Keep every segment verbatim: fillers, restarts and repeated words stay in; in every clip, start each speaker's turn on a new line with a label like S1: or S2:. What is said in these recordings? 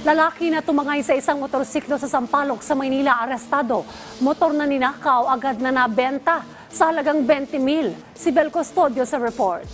S1: Lalaki na tumangay sa isang motorsiklo sa Sampaloc sa Maynila arestado. Motor na ninakaw agad na nabenta sa halagang twenty mil. Si Vel Custodio sa report.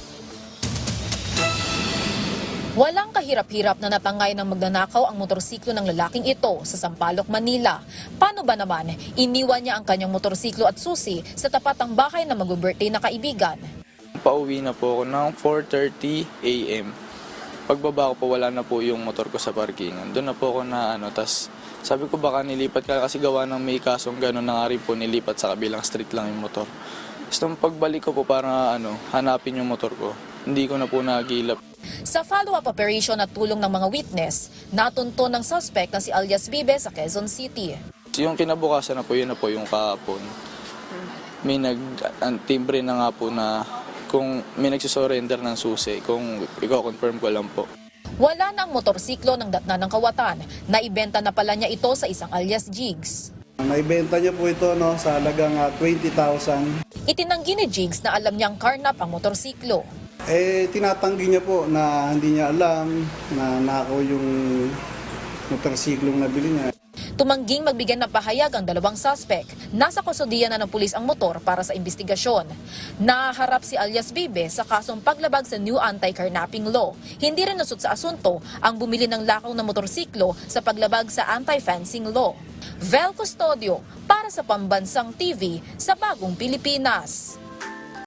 S2: Walang kahirap-hirap na natangay ng magnanakaw ang motorsiklo ng lalaking ito sa Sampaloc, Manila. Paano ba naman, iniwan niya ang kanyang motorsiklo at susi sa tapat ng bahay ng mag-birthday na kaibigan.
S3: Pauwi na po ako ng four thirty a m Pagbaba ko po, wala na po yung motor ko sa parkingan. Doon na po ako na ano, tas sabi ko baka nilipat ka kasi gawa ng may kasong gano'n na nga rin po nilipat sa kabilang street lang yung motor. Tapos nung pagbalik ko po para ano, hanapin yung motor ko, hindi ko na po nagilap.
S2: Sa follow-up operation at tulong ng mga witness, natunto ng suspect na si alias Bibe sa Quezon City.
S3: Yung kinabukasan na po, yun na po yung kahapon. May nag-timbre na nga po na kung may nagsisurrender ng susi, kung i-confirm ko lang po.
S2: Wala na ang motorsiklo ng datna ng kawatan. Naibenta na pala niya ito sa isang alias Jigs.
S4: Naibenta niya po ito no, sa halagang uh, twenty thousand.
S2: Itinanggi ni Jigs na alam niyang karnap ang motorsiklo.
S4: Eh, tinatanggi niya po na hindi niya alam na nakaw yung motorsiklong nabili niya.
S2: Tumangging magbigay ng pahayag ang dalawang suspect. Nasa kustodiya na ng pulis ang motor para sa investigasyon. Naharap si alias Bibe sa kasong paglabag sa new anti-carnapping law. Hindi rin nasut sa asunto ang bumili ng lakaw na motorsiklo sa paglabag sa anti-fencing law. Vel Custodio para sa Pambansang T V sa Bagong Pilipinas.